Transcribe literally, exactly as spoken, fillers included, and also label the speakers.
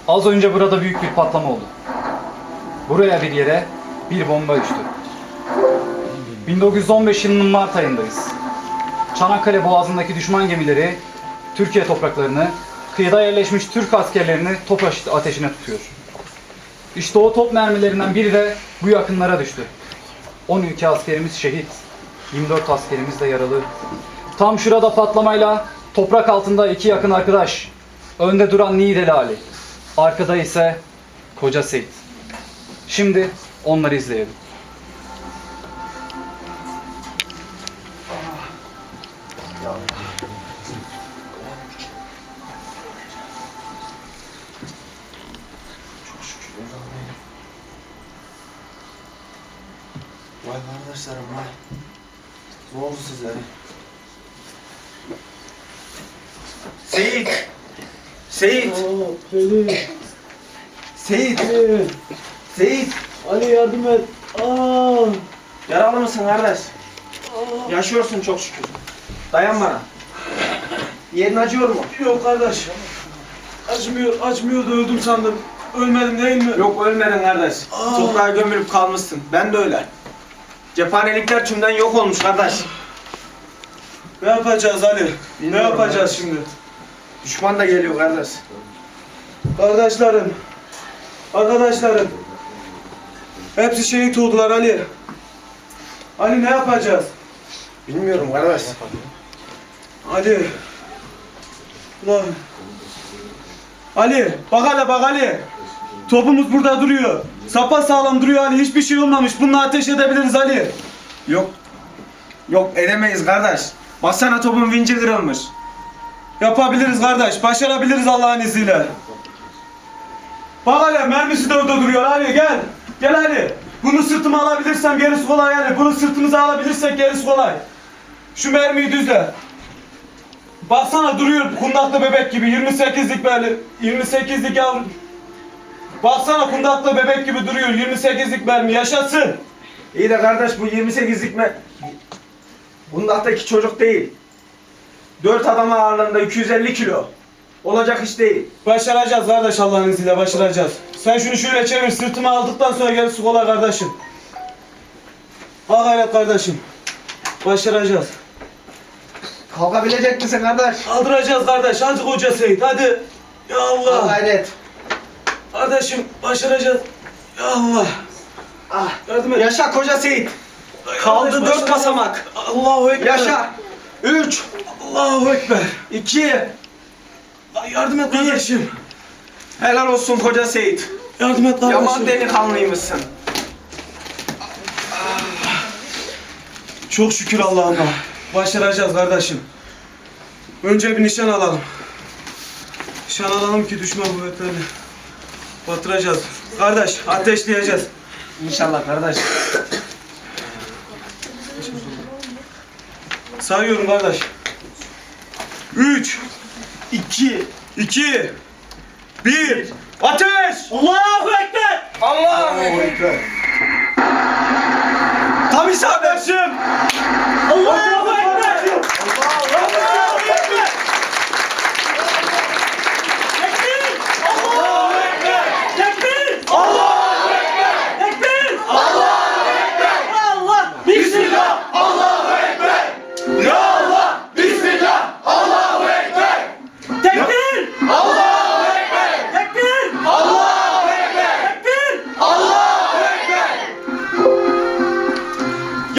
Speaker 1: Az önce burada büyük bir patlama oldu. Buraya bir yere bir bomba düştü. bin dokuz yüz on beş yılının Mart ayındayız. Çanakkale Boğazı'ndaki düşman gemileri Türkiye topraklarını, kıyıda yerleşmiş Türk askerlerini top ateşine tutuyor. İşte o top mermilerinden biri de bu yakınlara düştü. on iki askerimiz şehit, yirmi dört askerimiz de yaralı. Tam şurada patlamayla toprak altında iki yakın arkadaş. Önde duran Niğdeli Ali, arkada ise Koca Seyit. Şimdi onları izleyelim.
Speaker 2: Vay kardeşlerim vay. Ne oldu size? Seyit! Seyit!
Speaker 3: Seyit.
Speaker 2: Seyit!
Speaker 3: Ali.
Speaker 2: Seyit!
Speaker 3: Ali yardım et. Aa.
Speaker 2: Yaralı mısın kardeş?
Speaker 3: Aa.
Speaker 2: Yaşıyorsun çok şükür. Dayan bana. Yerin acıyor mu?
Speaker 3: Yok kardeş. Acımıyor, acımıyor da öldüm sandım. Ölmedim değil mi?
Speaker 2: Yok ölmedin kardeş.
Speaker 3: Aa.
Speaker 2: Toprağa gömülüp kalmışsın. Ben de öyle. Cephanelikler tümden yok olmuş kardeş.
Speaker 3: Ne yapacağız Ali? Ne
Speaker 2: Bilmiyorum
Speaker 3: yapacağız
Speaker 2: kardeş.
Speaker 3: şimdi?
Speaker 2: Düşman da geliyor kardeş.
Speaker 3: Kardeşlerim. Arkadaşlarım. Hepsi şehit oldular Ali. Ali ne yapacağız?
Speaker 2: Bilmiyorum kardeş.
Speaker 3: Ali. Ulan. Ali, bak hele bak Ali. Topumuz burada duruyor. Sapa sağlam duruyor Ali. Hiçbir şey olmamış. Bununla ateş edebiliriz Ali.
Speaker 2: Yok. Yok edemeyiz kardeş. Baksana topun vinci kırılmış.
Speaker 3: Yapabiliriz kardeş. Başarabiliriz Allah'ın izniyle. Bak hele mermisi de orada duruyor Ali. Gel. Gel Ali. Bunu sırtıma alabilirsem gerisi kolay Ali. Bunu sırtımıza alabilirsek gerisi kolay. Şu mermiyi düzle. Baksana duruyor kundaklı bebek gibi. yirmi sekizlik mermi. yirmi sekizlik yavrum. Baksana kundaklı bebek gibi duruyor. yirmi sekizlik mermi. Yaşasın.
Speaker 2: İyi de kardeş bu yirmi sekizlik mi? Bundaktaki çocuk değil. Dört adam ağırlığında iki yüz elli kilo. Olacak iş değil.
Speaker 3: Başaracağız kardeş Allah'ın izniyle başaracağız. Sen şunu şöyle çevir sırtıma aldıktan sonra gerisi kolay kardeşim. Ha gayret kardeşim. Başaracağız.
Speaker 2: Kalkabilecek misin kardeş?
Speaker 3: Kaldıracağız kardeş. Hadi Koca Seyit hadi. Ya Allah.
Speaker 2: Gayret.
Speaker 3: Kardeşim başaracağız. Ya Allah.
Speaker 2: Ah.
Speaker 3: Yardım et.
Speaker 2: Yaşa Koca Seyit.
Speaker 3: Kardeş,
Speaker 2: Kaldı dört
Speaker 3: başaracağız.
Speaker 2: basamak.
Speaker 3: Allahu Ekber.
Speaker 2: Yaşa. Üç.
Speaker 3: Allahu Ekber.
Speaker 2: İki.
Speaker 3: Ay, yardım et kardeşim.
Speaker 2: Helal olsun Koca Seyit.
Speaker 3: Yardım et kardeşim.
Speaker 2: Yaman delikanlıymışsın.
Speaker 3: Çok şükür Allah'ıma. Başaracağız kardeşim. Önce bir nişan alalım. Nişan alalım ki düşman kuvvetlerini batıracağız. Kardeş ateşleyeceğiz.
Speaker 2: İnşallah kardeş.
Speaker 3: Sayıyorum kardeş. Üç,
Speaker 2: İki.
Speaker 3: iki, bir, ateş! Allahu Ekber!
Speaker 2: Allahu Ekber. Tam isabet.
Speaker 3: Kardeşim! Allahu